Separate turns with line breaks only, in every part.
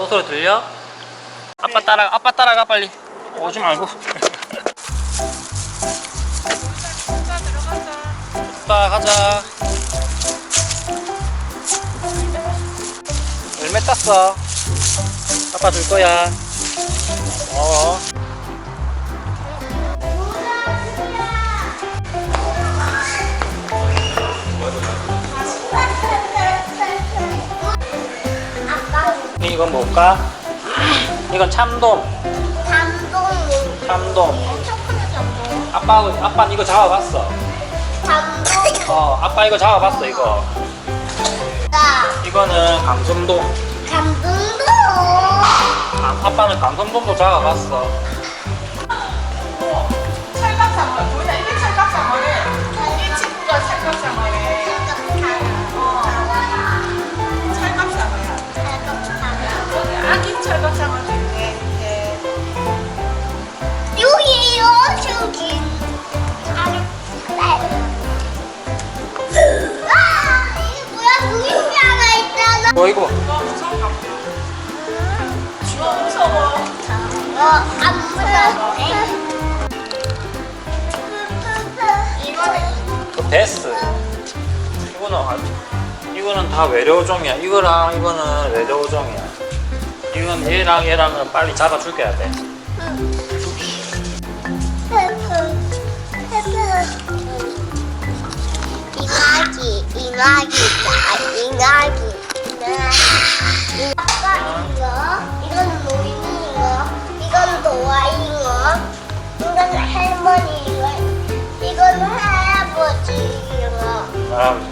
소리 들려? 아빠 따라가 빨리. 오지 말고. 아빠 가자. 열매 땄어. 아빠 줄 거야. 이건 뭘까? 이건 참돔. 참돔. 아빠 이거 잡아봤어. 아빠 이거 잡아봤어 이거. 이거는 강성돔. 아빠는 강성돔도 잡아봤어.
찰각상어. 보이나 이게 찰각상어래. 이 친구가 찰각상어래. 찰각상어야. 아기 찰각상어도 있네.
여기요, 저기. 이게 뭐야? 무인기 하나 있잖아.
이거 봐.
무서워. 무서워.
안 무서워.
그 베스. 이거는 다 외래어종이야. 이거랑 이거는 외래어종이야. 이건 얘랑은 빨리 잡아 죽여야 돼.
이나기. 아빠 이건 노인이거, 이건 도화이거, 이건 할머니이거, 이건 할아버지이거.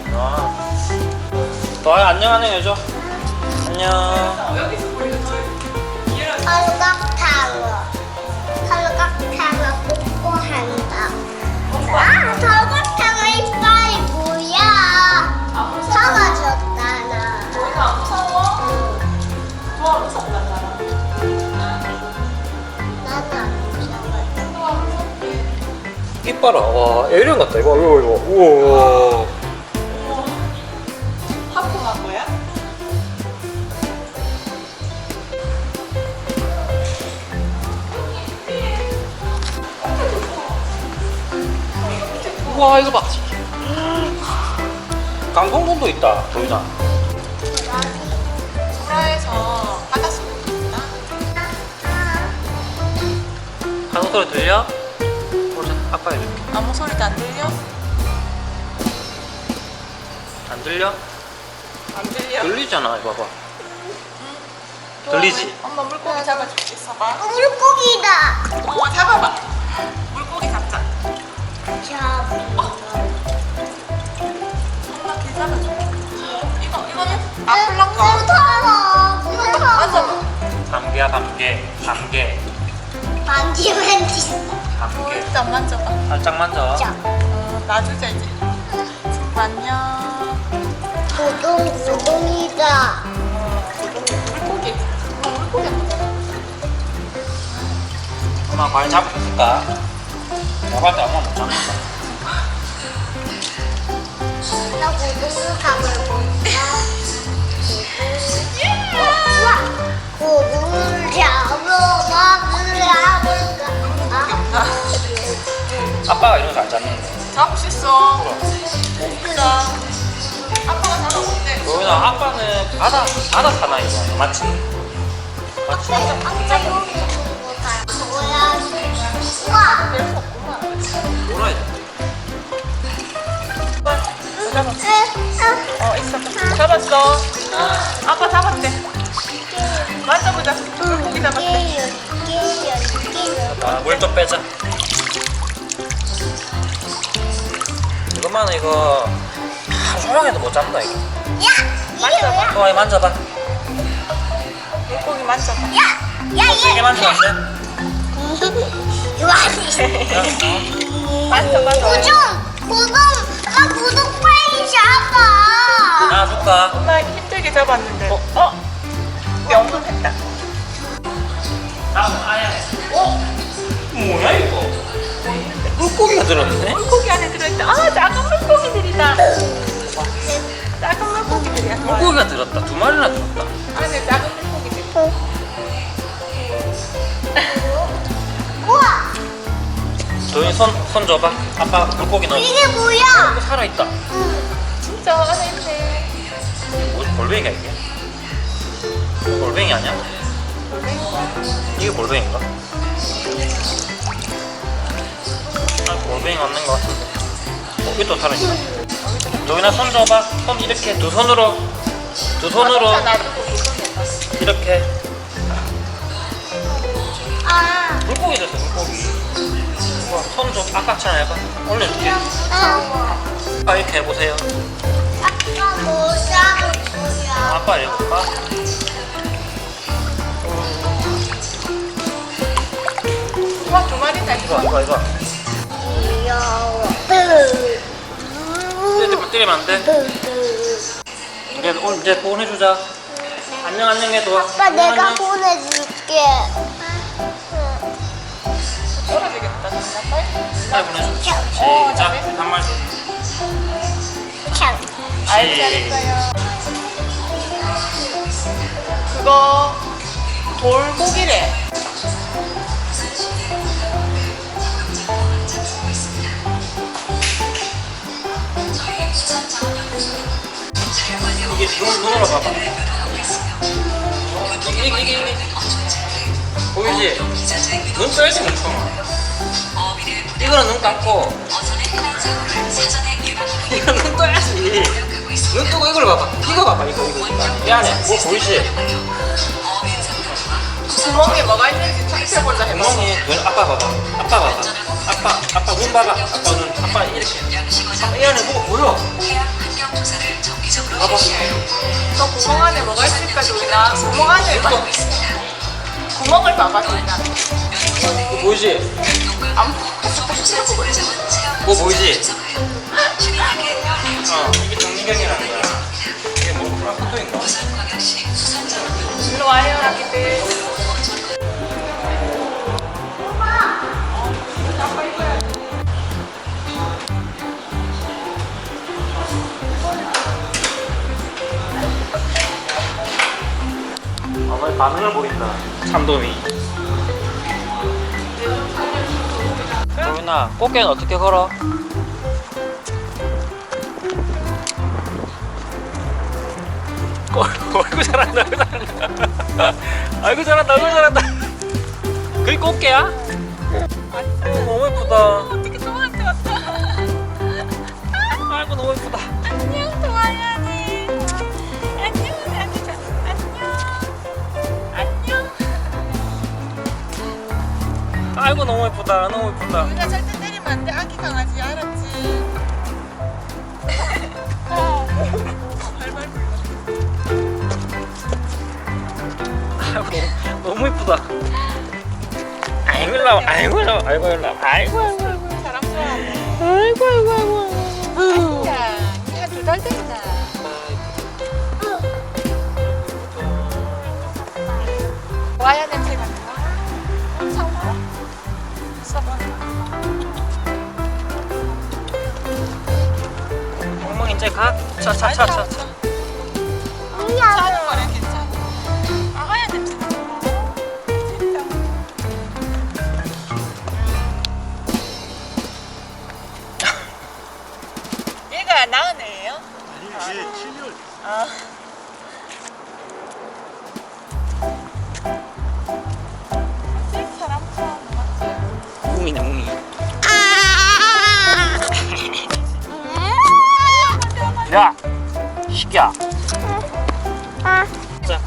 너야 안녕 해줘. 안녕.
여기서 보이는 저
삼각탕어 뽀뽀 한다. 삼각탕어 이빨이 뭐야? 사라졌잖아.
너희가 안 무서워? 좋아 무섭다 나랑.
나는 안 무서워.
좋아 무섭게.
이뻐라. 와, 에이리언 같다. 이거. 우와.
하품한 거야?
우와, 이거 봐. 강성돔도 있다. 보이나?
소라에서 바닷속에 있다.
강성 소리 들려? 보자. 아빠 해줄게.
아무 소리도 안 들려?
안 들려?
안 들려.
들리잖아. 이거 봐봐. 들리지?
엄마 물고기 잡아줄게. 있어봐.
물고기다.
잡아봐. 물고기 잡자. 엄마 개 잡아줄게. 이거는 아플란가? 맞아.
감개야, 감개.
만지.
감개.
진짜 안 만져봐.
살짝 만져.
놔주자 이제. 안녕.
고동이다.
물고기. 물고기 안 맞아.
엄마 과연 잡을 수 있을까? 잡을 때 엄마 못 잡는다.
나 고동을 잡아볼까? 고동을 잡아볼까?
아빠가 이런 거 잘 잡는데.
잡을 수 있어. 진짜. 아빠가 잡아볼게.
도윤아, 아빠는 바다 사나이잖아. 맞지? 맞지?
아빠 여기 있는 거 봐. 뭐야? 우와!
뺄수 없구만.
놀아야 돼.
있어. 잡았어. 아빠 잡았대. 만져보자. 물고기 잡았대.
물 좀 빼자. 이거만은 이거 조용해도 못 잡는다 이거.
이게 뭐야?
도아이 만져봐.
물고기 만져봐.
세게 만지면 안 돼?
이거 아니지.
만져봐.
고동! 나 고동 빨리 잡아!
놔줄까?
엄마 힘들게 잡았는데. 명분했다.
다음 아야. 뭐야 이거? 물고기가 들었네?
물고기 안에 들어있다. 작은 물고기들이다. 작은 물고기들이야.
물고기가 들었다. 두 마리나 들었다.
안에 작은 물고기들.
도윤이 손 줘봐. 아빠 물고기 넣어.
이게 뭐야?
살아있다.
진짜 안에 있네.
뭐지? 골뱅이가 이게? 골뱅이 아니야? 이게 골뱅인가? 아, 골뱅이 맞는 것 같은데. 이게 또 살아있네. 도윤아 손 줘봐. 손 이렇게 두 손으로
진짜 놔두고 무섭겠다.
이렇게.
아,
물고기 됐어, 물고기. 손 좀 아까처럼 해봐. 올려줄게. 아빠 이렇게 해보세요.
아빠 뭐 잡을 거야?
아빠 해볼까?
와, 두 마리다,
이거,
이거.
이거.
귀여워.
때리면 안 돼? 이제 보내주자. 안녕, 안녕 해도.
아빠 내가 보내줄게.
떨어지겠다, 진짜. 빨리.
빨리 보내줘. 시작. 한 마리.
참.
아이고, 잘했어요. 그거, 돌고기래.
이게 눈으로 봐봐. 이게. 보이지? 눈 떠야지, 멍청아. 이거는 눈 감고. 이거 눈 떠야지. 눈 뜨고 이걸 봐봐. 이거 봐봐, 이거. 이 안에 뭐 보이지?
구멍에 뭐가 있는지 살펴보자 해봐.
구멍이 아빠 봐봐. 아빠 눈 봐봐. 아빠 눈. 아빠 이렇게. 아빠 이 안에 뭐가 보여? 봐봐.
너 구멍 안에 뭐가 있을까, 조이나? 구멍 안에 구멍을 봐봐, 조이나.
이거 보이지?
안 보고 있어.
뭐 보이지? 이게 정리경이라는 거야. 이게 뭐 프랑크톤인가?
일로 와요, 아기들.
아빠의 반응을 보인다. 참돔이. 도윤아, 꽃게는 어떻게 걸어? 아이고 잘한다, 아이고 잘한다. 그게 꽃게야? 너무 예쁘다.
어떻게 좋아한테 왔다.
아이고 너무 예쁘다.
안녕, 동아연이. 안녕, 아기 안녕.
아이고 너무 예쁘다.
우리가 절대 때리면 안 돼, 아기 강아지. 알았지? 발발 불러.
아이고 너무 예쁘다. 아이고 일로 아이고
사람 좋아하고. 아기야, 한 2달 됐나? 와야 냄새가 나. 사과? 써봐.
멍멍 이제 가. 차.
사는 거래, 괜찮아. 아, 하얀 냄새 나. 진짜. 얘가 낳은 애예요?
아니, 얘 7개월.
아. 사람 좋아하는 거 맞지?
뭉이. 야, 시기야. 자,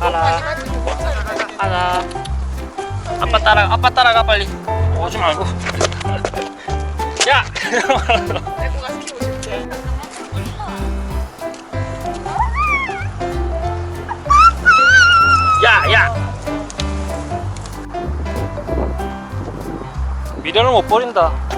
가라. 아빠 따라가 빨리. 오지 말고. 야.
데리고 가서 키우고 싶대.
야. 미련을 못 버린다.